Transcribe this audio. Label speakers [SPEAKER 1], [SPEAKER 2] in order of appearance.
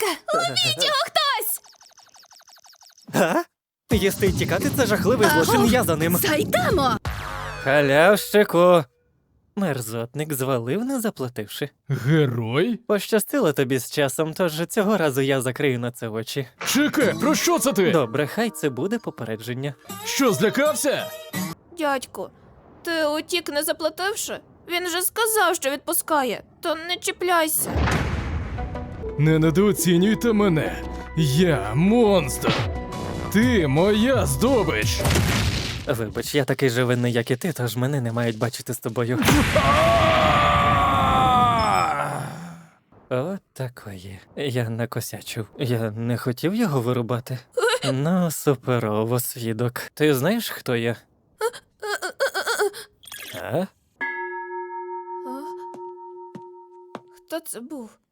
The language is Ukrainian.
[SPEAKER 1] ласка! Ловіть його хтось!
[SPEAKER 2] А? Їсти й тікати – це жахливий злочин, я за ним.
[SPEAKER 1] Зайдемо!
[SPEAKER 2] Халявщику! Мерзотник звалив, не заплативши.
[SPEAKER 3] Герой?
[SPEAKER 2] Пощастило тобі з часом, тож цього разу я закрию на це очі.
[SPEAKER 3] Чекай, про що це ти?
[SPEAKER 2] Добре, хай це буде попередження.
[SPEAKER 3] Що, злякався?
[SPEAKER 1] Дядьку, ти утік не заплативши? Він же сказав, що відпускає, то не чіпляйся.
[SPEAKER 3] Не недооцінюйте мене. Я монстр. Ти моя здобич.
[SPEAKER 2] Вибач, я такий же винний, як і ти, тож мене не мають бачити з тобою. От такої. Я накосячив. Я не хотів його вирубати. Ну, суперово, свідок. Ти знаєш, хто я? А?
[SPEAKER 1] Хто це був?